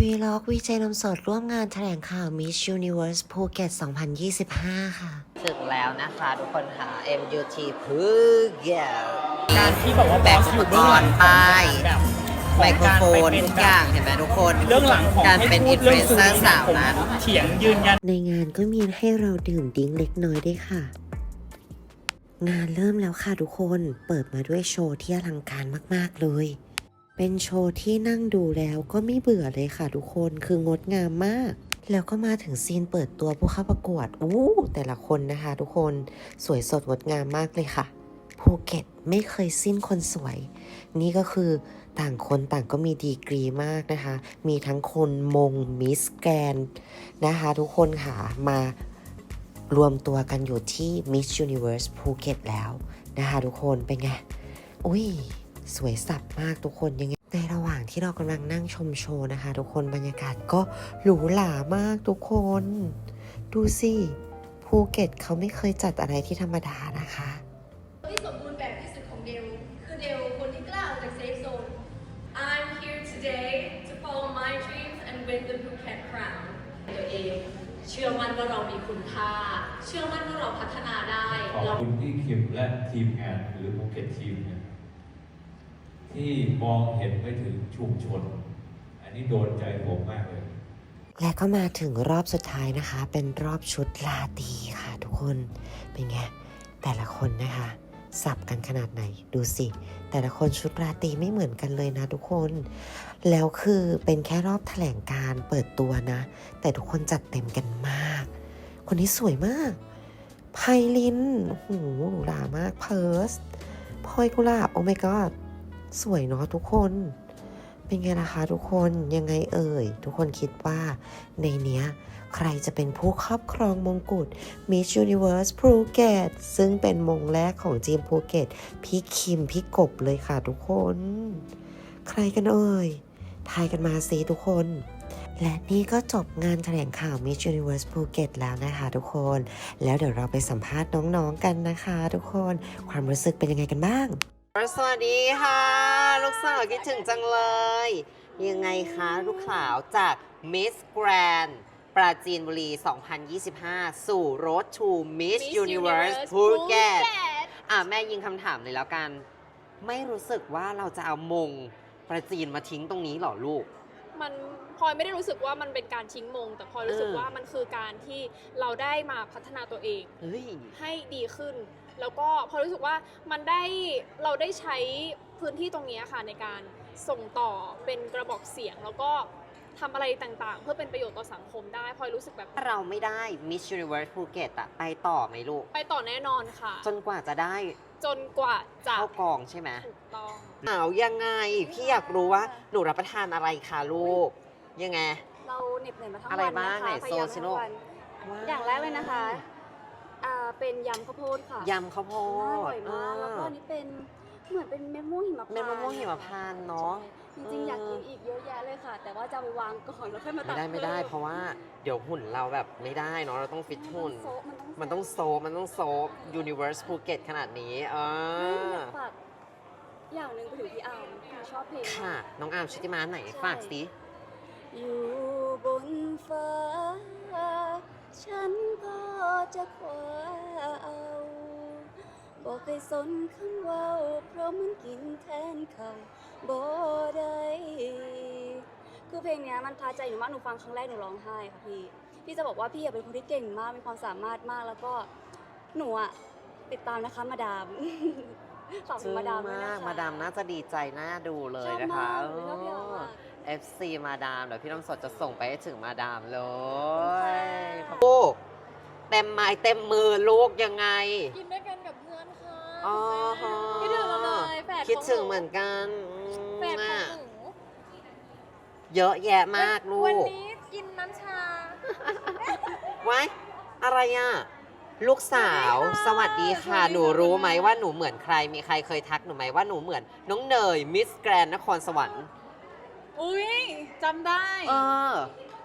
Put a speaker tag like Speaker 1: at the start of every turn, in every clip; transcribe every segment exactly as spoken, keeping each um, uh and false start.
Speaker 1: วีล็อกวีเจนมสดร่วมงานแถลงข่าว Miss Universe ภูเก็ต สองพันยี่สิบห้า ค่ะ
Speaker 2: ถึงแล้วนะคะทุกคนค่ะ เอ็ม ยู ที ภูเก็ต
Speaker 3: การที่บอกว่า
Speaker 2: แบ
Speaker 3: บบ อสอยู่เบื้องหลัง
Speaker 2: ป้าย
Speaker 3: แบบ
Speaker 2: ไมโครโฟนทุกอย่างเห็นไหมทุกคน
Speaker 3: เรื่องหลังของ
Speaker 2: การ
Speaker 3: ให้
Speaker 2: เป็น
Speaker 3: พู
Speaker 2: อิ
Speaker 3: ด
Speaker 2: นฟลู
Speaker 3: เรื่อ
Speaker 2: เอง น
Speaker 3: สื่
Speaker 2: เซอ
Speaker 3: อ
Speaker 2: ร์
Speaker 3: นี่
Speaker 2: สาว
Speaker 3: ผม
Speaker 2: นั้น
Speaker 3: เถียงยืนยัน
Speaker 1: ในงานก็มีให้เราดื่มดิ้งเล็กน้อยด้วยค่ะ งานเริ่มแล้วค่ะทุกคนเปิดมาด้วยโชว์ที่อลังการมากๆเลย เป็นโชว์ที่นั่งดูแล้วก็ไม่เบื่อเลยค่ะทุกคนคืองดงามมาก แล้วก็มาถึงซีนเปิดตัวผู้เข้าประกวดอู้แต่ละคนนะคะทุกคนสวยสดงดงามมากเลยค่ะภูเก็ตไม่เคยสิ้นคนสวย นี่ก็คือต่างคนต่างก็มีดีกรีมากนะคะ มีทั้งคนมงมิสแกรนด์นะคะทุกคนค่ะมารวมตัวกันอยู่ที่ Miss Universe ภูเก็ตแล้วนะคะทุกคนเป็นไงอุ้ยสวยสับมากทุกคนยังไงในระหว่างที่เรากำลังนั่งชมโชว์นะคะทุกคนบรรยากาศก็หรูหรามากทุกคนดูสิภูเก็ตเขาไม่เคยจัดอะไรที่ธรรมดานะคะ
Speaker 4: ที่สมบูรณ์แบบที่สุดของเดลคือเดลคนที่กล้าออกจากเซฟโซน I'm here today to follow my dreams and win the Phuket crown ตัวเองเชื่อมั่นว่าเรามีคุณค่าเชื่อมั่นว่าเราพัฒนาได้
Speaker 5: ขอบคุณพี่คิมและทีมงานหรือภูเก็ตทีมเนี่ยที่มองเห็นไปถึงชุมชน อันนี้โดนใจผมมากเลย
Speaker 1: และก็มาถึงรอบสุดท้ายนะคะ เป็นรอบชุดลาตรีค่ะทุกคนเป็นไงแต่ละคนนะคะสับกันขนาดไหนดูสิแต่ละคนชุดราตรีไม่เหมือนกันเลยนะทุกคนแล้วคือเป็นแค่รอบแถลงการเปิดตัวนะแต่ทุกคนจัดเต็มกันมากคนนี้สวยมากไพลินโอ้โหหรูหรามากเพิร์สพลอยกุหลาบโอ้ my god สวยเนาะทุกคนเป็นไงล่ะคะทุกคนยังไงเอ่ยทุกคนคิดว่าในเนี้ยใครจะเป็นผู้ครอบครองมงกุฎ Miss Universe ภูเก็ตซึ่งเป็นมงแรกของทีมภูเก็ตพี่คิมพี่กบเลยค่ะทุกคนใครกันเอ่ยทายกันมาสิทุกคนและนี่ก็จบงานแถลงข่าว Miss Universe ภูเก็ตแล้วนะคะทุกคนแล้วเดี๋ยวเราไปสัมภาษณ์น้องๆกันนะคะทุกคนความรู้สึกเป็นยังไงกันบ้าง
Speaker 2: สวัสดีค่ะลูกสาวคิดถึงจังเลยยังไงคะลูกสาวจาก Miss Grand ปราจีนบุรี สองพันยี่สิบห้า สู่ Road to Miss Universe ภูเก็ตอ่ะแม่ยิงคำถามเลยแล้วกันไม่รู้สึกว่าเราจะเอามงประจีนมาทิ้งตรงนี้หรอลูก
Speaker 6: มันพลอยไม่ได้รู้สึกว่ามันเป็นการทิ้งมงแต่พลอยรู้สึกว่ามันคือการที่เราได้มาพัฒนาตัวเองให้ดีขึ้นแล้วก็พอรู้สึกว่ามันได้เราได้ใช้พื้นที่ตรงนี้ค่ะในการส่งต่อเป็นกระบอกเสียงแล้วก็ทำอะไรต่างๆเพื่อเป็นประโยชน์ต่อสังคมได้พลอยรู้สึกแบบ
Speaker 2: ถ้าเราไม่ได้ Miss Universe ภูเก็ตอะไปต่อไหมลูก
Speaker 6: ไปต่อแน่นอนค่ะ
Speaker 2: จนกว่าจะได้
Speaker 6: จนกว่าจะ
Speaker 2: เข้ากองใช่ไหม
Speaker 6: ถูกต้อง
Speaker 2: อ้าวยังไงพี่อยากรู้ว่าหนูรับประทานอะไรคะลูกยังไง
Speaker 7: เราเหน็บเหนื่อยมาทั้ง
Speaker 2: อะไร
Speaker 7: วัน
Speaker 2: บ้าง
Speaker 7: นะคะ
Speaker 2: ไหน
Speaker 7: พยายาม
Speaker 2: โซซิ
Speaker 7: ทั้
Speaker 2: โน
Speaker 7: งวันอย่างแรกเลยนะคะอ่าเป็นยำข้าวโพดค่ะ
Speaker 2: ยำข้าวโพด
Speaker 7: อร่อยมากแล้วก็อันนี้เป็นเหมือนเป็นเม็ดมะม่วงหิมพานต์
Speaker 2: เม็ดมะม่วงหิมพานต์เนาะ
Speaker 7: จริงๆอยากกินอีกเยอะแยะเลยค่ะ แต่ว่าจะเอาไปวางก่อนแล้วค่อยมาตั
Speaker 2: ไม่
Speaker 7: ก
Speaker 2: ได้ไม่ได้เพราะว่าเดี๋ยวหุ่นเราแบบไม่ได้เนาะเราต้องฟิตหุ่นมันต้องโซมันต้องโซ Universe ภูเก็ตขนาดนี้เออ
Speaker 7: ฝากอย่างหนึ่งไปถึงพี่อาร์มที่ชอบเพลง
Speaker 2: ค่ะน้องอาร์มชุติมาไหนฝากสิ
Speaker 7: อยู่บนฟ้าฉันก็จะคว้าเอาบอกเคยสนคำว่าเพราะมันกินแทนเขาบ่ได้คือเพลงนี้มันท้าใจหนูมากหนูฟังครั้งแรกหนูร้องไห้ค่ะพี่พี่จะบอกว่าพี่เป็นคนที่เก่งมากมีความสามารถมากแล้วก็หนูอะติดตามนะคะมาดามฝากมาดามด้วยนะคะ
Speaker 2: มาดามน่าจะดีใจน่าดูเลยนะคะเอฟซีมาดามเดี๋ยวพี่น้ำสดจะส่งไปให้ถึงมาดามเลยลูกเต็มไม้เต็มมือลูกยังไง
Speaker 6: กินด้วยกันกับเพื่อนค่ะ
Speaker 2: อ๋อ
Speaker 6: คิดถึงเราเลยแฝด
Speaker 2: คิดถึงเหมือนกัน
Speaker 6: แฝดของหนู
Speaker 2: เยอะแยะมากลูก
Speaker 6: วันนี้กินน้ำชา
Speaker 2: ไว้อะไรอ่ะลูกสาวสวัสดีค่ะหนูรู้ไหมว่าหนูเหมือนใครมีใครเคยทักหนูไหมว่าหนูเหมือนน้องเนยมิสแกรนนครสวรรค์
Speaker 6: อุ้ยจำได้
Speaker 2: เออ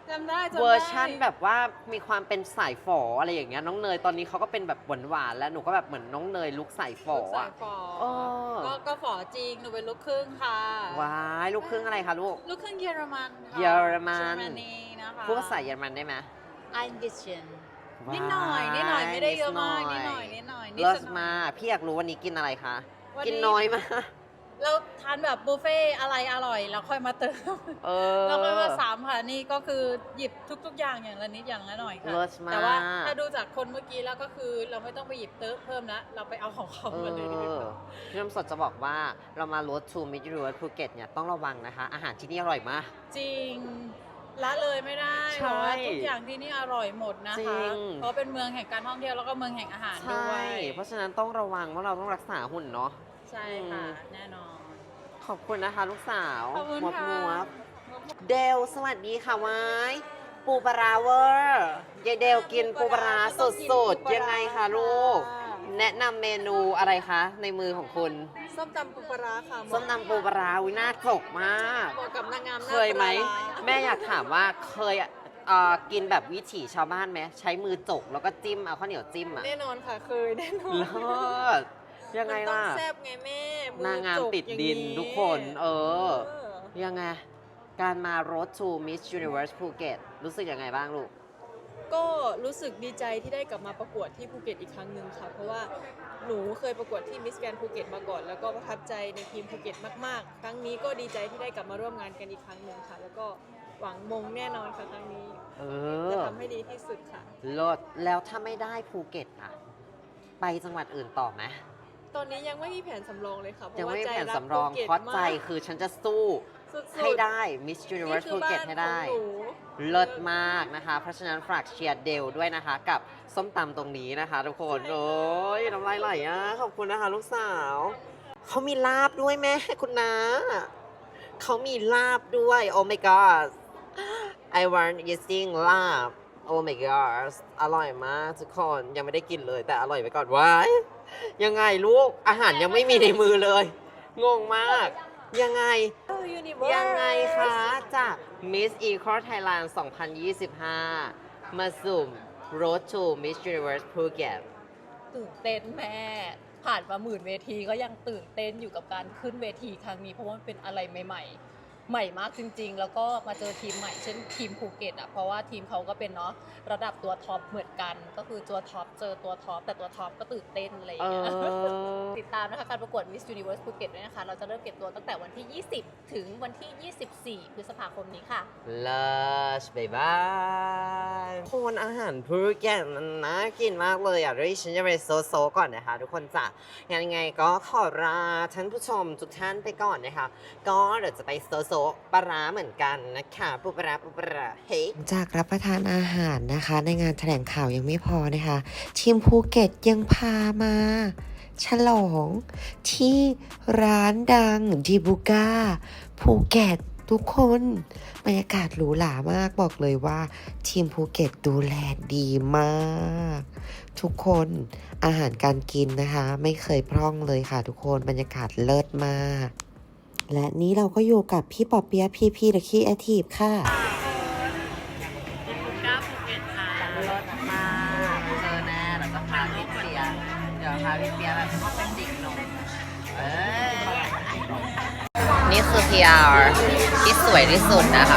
Speaker 8: จำได้จำได้
Speaker 2: เวอร์ชั่นแบบว่ามีความเป็นสายฝออะไรอย่างเงี้ยน้องเนยตอนนี้เขาก็เป็นแบบหวานๆแล้วหนูก็แบบเหมือนน้องเนยลุคสายฝอ
Speaker 8: ลูกสา
Speaker 2: อะ
Speaker 8: ยฝอ
Speaker 2: เออ
Speaker 8: ก็ก็ฝอจริง หนูเป็นลูกครึ่งค่ะ
Speaker 2: ว้ายลูกครึ่งอะไรคะลูก
Speaker 8: ลูกครึ่งเยอรมันค่ะ
Speaker 2: เยอรมัน
Speaker 8: เยอรมนีนะคะ
Speaker 2: พูดภาษาเยอรมันได้ไหม
Speaker 8: อังกฤษนิดหน่อยนิดหน่อยไม่ได้เยอะมากนิดหน่อยนิดหน่อยนิด
Speaker 2: เลิศ
Speaker 8: สักหน่อย
Speaker 2: มากพี่อยากรู้วันนี้กินอะไรคะ
Speaker 8: วันนี้
Speaker 2: กินน้อยมาก
Speaker 8: เราทานแบบบุฟเฟ่ต์อะไรอร่อยแล้วค่อยมาเติม
Speaker 2: เออ
Speaker 8: แล้วค่อยมาสามค่ะนี่ก็คือหยิบทุก ๆ อย่างอย่างละนิดอย่างละหน่อยค่ะ
Speaker 2: เลิศมาก
Speaker 8: แต่ว่าถ้าดูจากคนเมื่อกี้แล้วก็คือเราไม่ต้องไปหยิบเติมเพิ่มละเราไปเอาของเขา
Speaker 2: เอ
Speaker 8: มาเลยดีก
Speaker 2: อ
Speaker 8: ว่า
Speaker 2: พี่น้ำสดจะบอกว่าเรามา Road to Miss Universe ภูเก็ตเนี่ยต้องระวังนะคะ อาหารที่นี่อร่อยมาก
Speaker 8: จริงละเลยไม่ได้
Speaker 2: ใช่
Speaker 8: เพราะว่าทุกอย่างที่นี่อร่อยหมดนะ
Speaker 2: จริ
Speaker 8: คะ
Speaker 2: ง
Speaker 8: เพราะเป็นเมืองแห่งการท่องเที่ยวแล้วก็เมืองแห่งอาหาร
Speaker 2: ใช่
Speaker 8: ด้วย
Speaker 2: เพราะฉะนั้นต้องระวังว่าเราต้องรักษาหุ่นเนาะ
Speaker 8: ใช่ค่ะ
Speaker 2: อืม
Speaker 8: แน่นอน
Speaker 2: ขอบคุณนะคะลูกสาว
Speaker 8: ขอบคุณ
Speaker 2: มวบ
Speaker 8: ค่ะ
Speaker 2: มวบเดลสวัสดีค่ะไว้ปูปลาร้าเวอร์ยายเดลกินปูปลาร้าสดๆ ยังไงคะลูก แนะนำเมนูอะไรคะ ในมือของคุณ
Speaker 8: ส้มตำปูปลาร้าค่ะ
Speaker 2: ส้มตำปูปลาร้าวิน่าจกมาก
Speaker 8: เหมาะกับนางงาม
Speaker 2: เคยไหม แม่อยากถามว่าเคยเอ่อกินแบบวิถีชาวบ้านไหมใช้มือจกแล้วก็จิ้มเอาข้าวเหนียวจิ้มอ่ะ
Speaker 8: แน่นอนค่ะเคยแน่นอน
Speaker 2: เลิศยังไงล่ะ
Speaker 8: มันต้องแซ่บไงแม่มือน
Speaker 2: างงาม
Speaker 8: จก
Speaker 2: ติด
Speaker 8: อย่
Speaker 2: ดินทุกคน เออ
Speaker 8: เออ
Speaker 2: ยังไง การมา Road to Miss Universe ภูเก็ตรู้สึกยังไงบ้างลูก
Speaker 9: ก็รู้สึกดีใจที่ได้กลับมาประกวดที่ภูเก็ตอีกครั้งหนึ่งค่ะ เพราะว่าหนูเคยประกวดที่มิสแกรนภูเก็ตมาก่อน แล้วก็ประทับใจในทีมภูเก็ตมากๆ ครั้งนี้ก็ดีใจที่ได้กลับมาร่วมงานกันอีกครั้งหนึ่งค่ะ แล้วก็หวังมงแน่นอนค่ะครั้งนี้
Speaker 2: เอ
Speaker 9: จะ
Speaker 2: อ
Speaker 9: ทำให้ดีที่สุดค่ะ
Speaker 2: เลิศแล้วถ้าไม่ได้ภูเก็ตอ่ะ ไปจังหวัดอื่นต่อไหม
Speaker 9: ตอนนี้ยังไม่มีแผนสำรองเลยค่ะ เพ
Speaker 2: ยัง
Speaker 9: ราะว่า
Speaker 2: ไม่มี
Speaker 9: ใจ
Speaker 2: แผน
Speaker 9: รัก
Speaker 2: สำรอง
Speaker 9: ภูก็ต
Speaker 2: เพราะใจ
Speaker 9: มาก
Speaker 2: คือฉันจะสู้
Speaker 9: สุดๆ
Speaker 2: ให้ได้ Miss
Speaker 9: นี่
Speaker 2: Universe
Speaker 9: คือ
Speaker 2: ภู
Speaker 9: บ้า
Speaker 2: เก็ต
Speaker 9: น
Speaker 2: ให้
Speaker 9: ขอ
Speaker 2: ได้
Speaker 9: งหนู
Speaker 2: เลิศมากนะคะ เพราะฉะนั้นฝากเชียร์เดลด้วยนะคะ กับส้มตำตรงนี้นะคะทุกคน โอ้ยน้ำลายไหลอ่ะ ขอบคุณนะคะลูกสาว เขามีลาบด้วยแม่คุณนาเขามีลาบด้วย Oh my god I want eating ลาบ Oh my god อร่อยมากทุกคน ยังไม่ได้กินเลยแต่อร่อยไปก่อนว้ายยังไงลูก อาหารยังไม่มีในมือเลย งงมาก ยังไง ยังไงคะจาก Miss Equal Thailand สองพันยี่สิบห้า มาสุ่ม Road to Miss Universe ภูเก็ต
Speaker 8: ตื่นเต้นแม่ ผ่านมาหมื่นเวทีก็ยังตื่นเต้นอยู่กับการขึ้นเวทีครั้งนี้ เพราะว่ามันเป็นอะไรใหม่ๆ ใหม่มากจริง ๆ แล้วก็มาเจอทีมใหม่เช่นทีมภูเก็ตอ่ะเพราะว่าทีมเขาก็เป็นเนาะระดับตัวท็อปเหมือนกัน ก็คือตัวท็อปเจอตัวท็อปแต่ตัวท็อปก็ตื่นเต้นอะไรอย่าง
Speaker 2: เอ
Speaker 8: เงี้ย
Speaker 2: อ
Speaker 8: ติดตามนะคะการประกวด Miss Universe ภูเก็ตด้วยนะคะ เราจะเริ่มเก็บตัวตั้งแต่วันที่ ยี่สิบ ถึงวันที่ ยี่สิบสี่ พฤษภาคมนี้ค่ะ
Speaker 2: Lush บ๊ายบายคนอาหารภูเก็ตมันน่ากินมากเลยอ่ะด้วยฉันจะไปโซโซก่อนนะคะทุกคนจ้ะยังไงก็ขอลาท่านผู้ชมทุกท่านไปก่อนนะคะ ก็เดี๋ยวจะไปโซโซปลาร้าเหมือนกันนะคะปูปลาร้าปูปลาร้าเฮ้ย
Speaker 1: จากรับประทานอาหารนะคะ ในงานแถลงข่าวยังไม่พอนะคะ ทีมภูเก็ตยังพามา ฉลองที่ร้านดังดิบูก้าภูเก็ตทุกคนบรรยากาศหรูหรามากบอกเลยว่าทีมภูเก็ตดูแลดีมาก ทุกคนอาหารการกินนะคะ ไม่เคยพร่องเลยค่ะทุกคนบรรยากาศเลิศมาก และนี้เราก็อยู่กับพี่ปอเปียะพีพีเดอะคีแอทีฟค่ะ
Speaker 3: ก้าภูเก็ตค่ะ
Speaker 2: เลิศมากเจอแน่แล้วก็พาพี่เปียเดี๋ยวพาพี่เปียแบบเป็นจิกนมเอ้ยนี่คือ พี อาร์ ที่สวยที่สุดนะคะ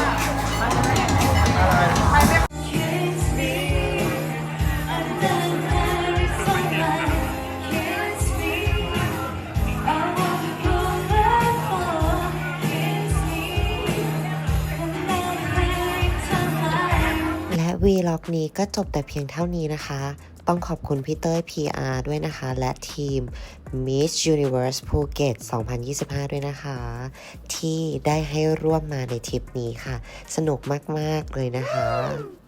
Speaker 1: และวีล็อกนี้ก็จบแต่เพียงเท่านี้นะคะ ต้องขอบคุณพี่เต้ย พี อาร์ ด้วยนะคะ และทีม Miss Universe ภูเก็ต สองพันยี่สิบห้า ด้วยนะคะ ที่ได้ให้ร่วมมาในทริปนี้ค่ะ สนุกมาก ๆ เลยนะคะ